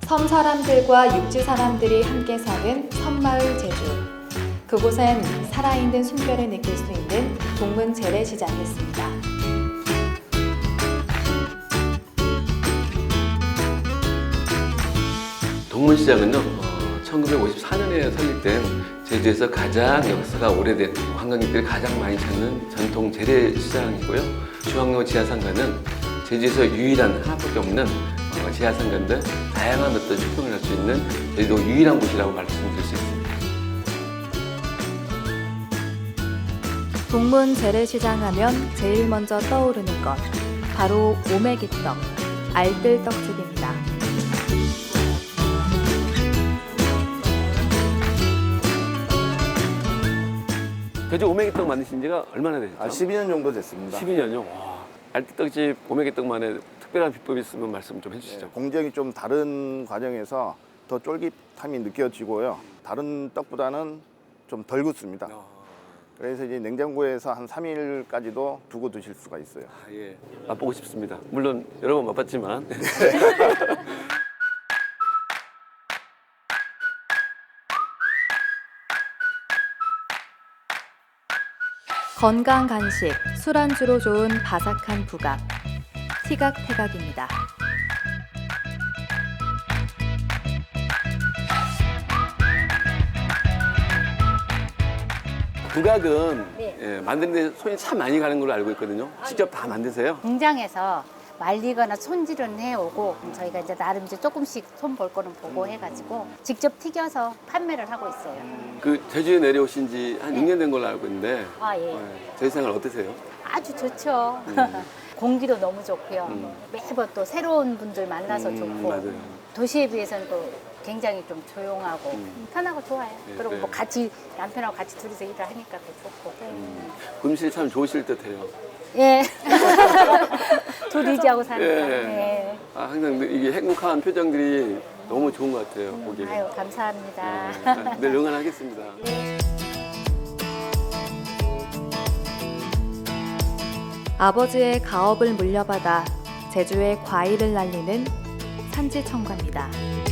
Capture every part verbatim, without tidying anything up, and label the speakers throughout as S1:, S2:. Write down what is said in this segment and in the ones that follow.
S1: 섬 사람들과 육지 사람들이 함께 사는 섬마을 제주. 그곳엔 살아있는 숨결을 느낄 수 있는 동문 재래시장이 있습니다.
S2: 동문시장은요, 어, 천구백오십사 년에 설립된 제주에서 가장 역사가 오래된 관광객들이 가장 많이 찾는 전통 재래시장이고요. 중앙로 지하상가는 제주에서 유일한 하나밖에 없는 어, 지하상가인데 다양한 어떤 쇼핑을 할 수 있는 제주도 유일한 곳이라고 말씀드릴 수 있습니다.
S1: 동문 재래시장 하면 제일 먼저 떠오르는 것, 바로 오메기떡, 알뜰떡집입니다.
S2: 제주 오메기떡 만드신 지가 얼마나 되셨죠?
S3: 아, 십이 년 정도 됐습니다.
S2: 십이 년요? 와. 알뜰떡집 오메기떡만의 특별한 비법이 있으면 말씀 좀 해주시죠.
S3: 네, 공정이 좀 다른 과정에서 더 쫄깃함이 느껴지고요. 다른 떡보다는 좀 덜 굳습니다.
S2: 아,
S3: 그래서 이제 냉장고에서 한 삼 일까지도 두고 드실 수가 있어요.
S2: 아, 예. 맛보고 싶습니다. 물론 여러 번 맛봤지만.
S1: 건강 간식, 술안주로 좋은 바삭한 부각, 티각태각입니다.
S2: 부각은
S4: 네.
S2: 예, 만드는데 손이 참 많이 가는 걸로 알고 있거든요. 직접 다 만드세요?
S4: 공장에서 말리거나 손질은 해오고 저희가 이제 나름 이제 조금씩 손 볼 거는 보고 해가지고 직접 튀겨서 판매를 하고 있어요.
S2: 그 제주에 내려오신 지 한
S4: 네.
S2: 육 년 된 걸로 알고 있는데
S4: 아 예,
S2: 예, 제주 생활 어떠세요?
S4: 아주 좋죠. 공기도 너무 좋고요.
S2: 음.
S4: 매번 또 새로운 분들 만나서
S2: 음,
S4: 좋고
S2: 맞아요.
S4: 도시에 비해서는 또 굉장히 좀 조용하고
S2: 음.
S4: 편하고 좋아요.
S2: 네,
S4: 그리고
S2: 네.
S4: 뭐 같이 남편하고 같이 둘이서 일을 하니까 더 좋고.
S2: 음, 금실 참 좋으실 듯해요.
S4: 예. 둘이지하고 사니까.
S2: 예.
S4: 예.
S2: 아, 항상 이게 행복한 표정들이 너무 좋은 것 같아요. 보기에.
S4: 아유 감사합니다.
S2: 예, 아, 늘 응원하겠습니다.
S1: 아버지의 가업을 물려받아 제주의 과일을 날리는 산지청과입니다.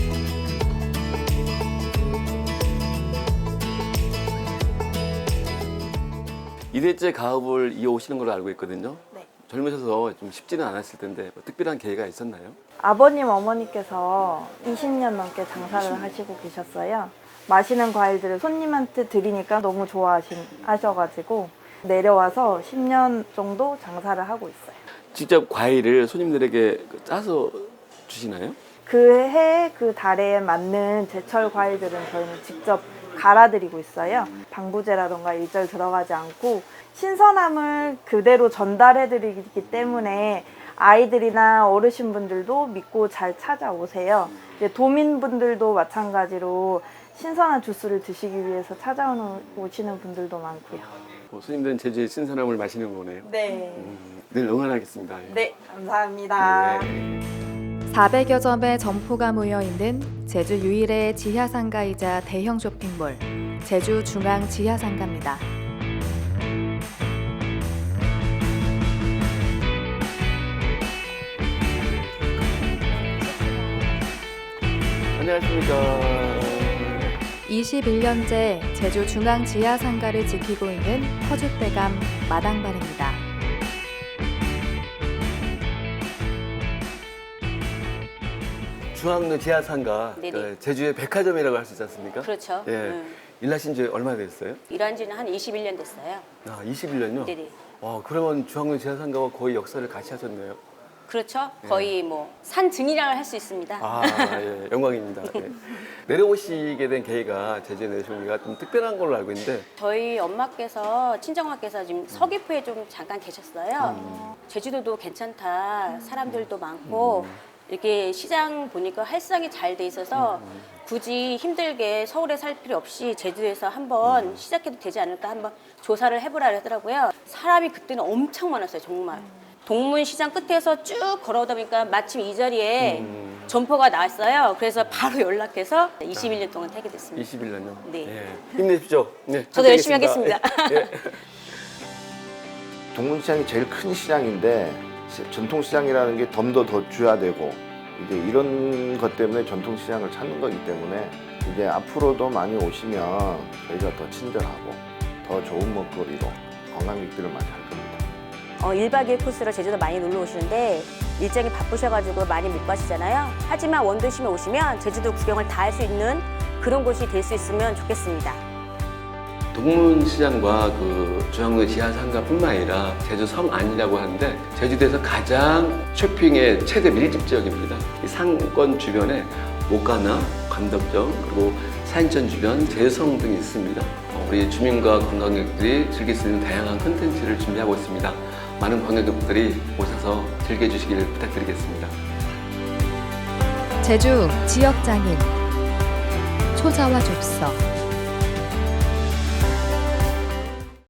S2: 이 대째 가업을 이어오시는 걸로 알고 있거든요.
S4: 네.
S2: 젊으셔서 좀 쉽지는 않았을 텐데 뭐 특별한 계기가 있었나요?
S5: 아버님, 어머니께서 이십 년 넘게 장사를 하시고 계셨어요. 마시는 과일들을 손님한테 드리니까 너무 좋아하셔가지고 내려와서 십 년 정도 장사를 하고 있어요.
S2: 직접 과일을 손님들에게 짜서 주시나요?
S5: 그 해에 그 달에 맞는 제철 과일들은 저희는 직접 갈아드리고 있어요. 방부제라던가 일절 들어가지 않고 신선함을 그대로 전달해드리기 때문에 아이들이나 어르신분들도 믿고 잘 찾아오세요. 이제 도민분들도 마찬가지로 신선한 주스를 드시기 위해서 찾아오시는 분들도 많고요.
S2: 뭐 손님들은 제주의 신선함을 마시는 거네요.
S5: 네.
S2: 음, 늘 응원하겠습니다. 예.
S5: 네, 감사합니다.
S2: 네.
S1: 사백여 점의 점포가 모여있는 제주 유일의 지하상가이자 대형 쇼핑몰, 제주 중앙 지하상가입니다.
S2: 안녕하십니까.
S1: 이십일 년째 제주 중앙 지하상가를 지키고 있는 터줏대감 마당발입니다.
S2: 중앙로 지하상가,
S6: 네네.
S2: 그 제주의 백화점이라고 할 수 있지 않습니까?
S6: 그렇죠.
S2: 예.
S6: 음.
S2: 일하신 지 얼마나 됐어요?
S6: 일한 지는 한 이십일 년 됐어요.
S2: 아, 이십일 년요?
S6: 네네.
S2: 와, 그러면 중앙로 지하상가와 거의 역사를 같이 하셨네요.
S6: 그렇죠. 거의 뭐 산증이라고 할 수 있습니다.
S2: 아, 예, 영광입니다. 예. 내려오시게 된 계기가 제주에 내려오신 계기가 좀 특별한 걸로 알고 있는데
S6: 저희 엄마께서 친정엄마께서 지금 서귀포에 좀 잠깐 계셨어요. 제주도도 괜찮다. 사람들도 많고 이렇게 시장 보니까 활성이 잘 돼 있어서 굳이 힘들게 서울에 살 필요 없이 제주에서 한번 시작해도 되지 않을까 한번 조사를 해보라 하더라고요. 사람이 그때는 엄청 많았어요. 정말. 동문시장 끝에서 쭉 걸어오다 보니까 마침 이 자리에
S2: 음.
S6: 점포가 나왔어요. 그래서 바로 연락해서 이십일 년 동안 타게 됐습니다.
S2: 이십일 년요?
S6: 네.
S2: 예. 힘내십시오. 네,
S6: 저도 열심히
S2: 함께
S6: 하겠습니다.
S2: 예, 예.
S3: 동문시장이 제일 큰 시장인데 시- 전통시장이라는 게 덤도 더 줘야 되고 이제 이런 것 때문에 전통시장을 찾는 거기 때문에 이제 앞으로도 많이 오시면 저희가 더 친절하고 더 좋은 먹거리로 관광객들을 맞이할 겁니다.
S6: 어, 일 박 이 일 코스로 제주도 많이 놀러 오시는데 일정이 바쁘셔가지고 많이 못 가시잖아요. 하지만 원도심에 오시면 제주도 구경을 다 할 수 있는 그런 곳이 될 수 있으면 좋겠습니다.
S2: 동문시장과 그 중앙로 지하상가뿐만 아니라 제주 성 안이라고 하는데 제주도에서 가장 쇼핑의 최대 밀집 지역입니다. 이 상권 주변에 목가나 관덕정 그리고 사인천 주변 제성 등이 있습니다. 어, 우리 주민과 관광객들이 즐길 수 있는 다양한 콘텐츠를 준비하고 있습니다. 많은 관광객들이 오셔서 즐겨주시길 부탁드리겠습니다.
S1: 제주 지역장인 초자와 좁서